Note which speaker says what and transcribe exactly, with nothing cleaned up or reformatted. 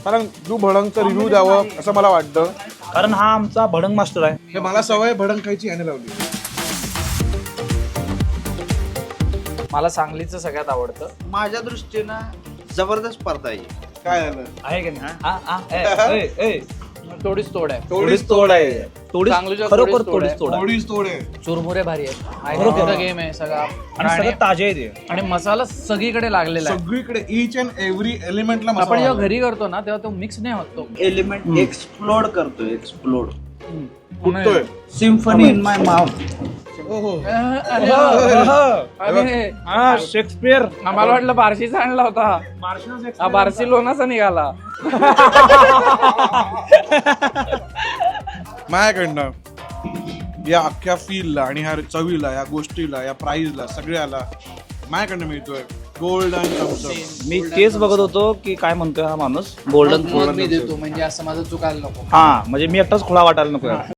Speaker 1: कारण तू भडंगचा रिव्ह्यू द्यावं असं मला वाटतं,
Speaker 2: कारण हा आमचा भडंग मास्टर आहे.
Speaker 1: हे मला सवय भडंग खायची याने लावली.
Speaker 3: मला सांगलीचं सगळ्यात आवडतं.
Speaker 4: माझ्या दृष्टीनं जबरदस्त स्पर्धा आहे.
Speaker 1: काय झालं?
Speaker 2: आहे की नाही? आ, आ, ए, ए, ए.
Speaker 3: थोडीच तोड आहे.
Speaker 2: थोडीच तोड आहे. थोडीच
Speaker 3: चांगलीच्या
Speaker 2: खरोखर
Speaker 3: थोडीच तोड
Speaker 2: थोडीच
Speaker 3: आहे.
Speaker 2: तोड आहे.
Speaker 1: थोडीच तोड आहे.
Speaker 3: चुरमुरे भारी आहेत.
Speaker 2: बरोबर.
Speaker 3: गेम आहे सगळा
Speaker 2: आणि
Speaker 3: आणि
Speaker 2: सगळं ताजे आहे ते.
Speaker 3: आणि मसाला सगळीकडे लागलेला आहे.
Speaker 1: सगळीकडे इच अँड एव्हरी एलिमेंटला
Speaker 3: आपण
Speaker 1: मसाला
Speaker 3: जेव्हा
Speaker 1: आहे.
Speaker 3: घरी करतो ना तेव्हा तो मिक्स नाही होत तो.
Speaker 4: एलिमेंट एक्सप्लोड करतो एक्सप्लोड.
Speaker 1: फुटतोय.
Speaker 4: Symphony in my mouth.
Speaker 1: ओहो.
Speaker 3: अरे, अरे,
Speaker 2: हा शेक्सपियर.
Speaker 3: आम्हाला वाटलं बार्शीचा आणला होता. हा बार्सिलोनाचा निघाला.
Speaker 1: माझ्याकडनं या अख्ख्या फीलला आणि ह्या चवीला, या गोष्टीला, या प्राईजला, सगळ्याला माझ्याकडनं मिळतोय गोल्डन थम्स अप.
Speaker 2: मी तेच बघत होतो की काय म्हणतोय हा माणूस. गोल्डन
Speaker 3: मग मी देतो म्हणजे असं माझं चुकायला नको.
Speaker 2: हा म्हणजे मी एकटाच खुळा वाटायला नको.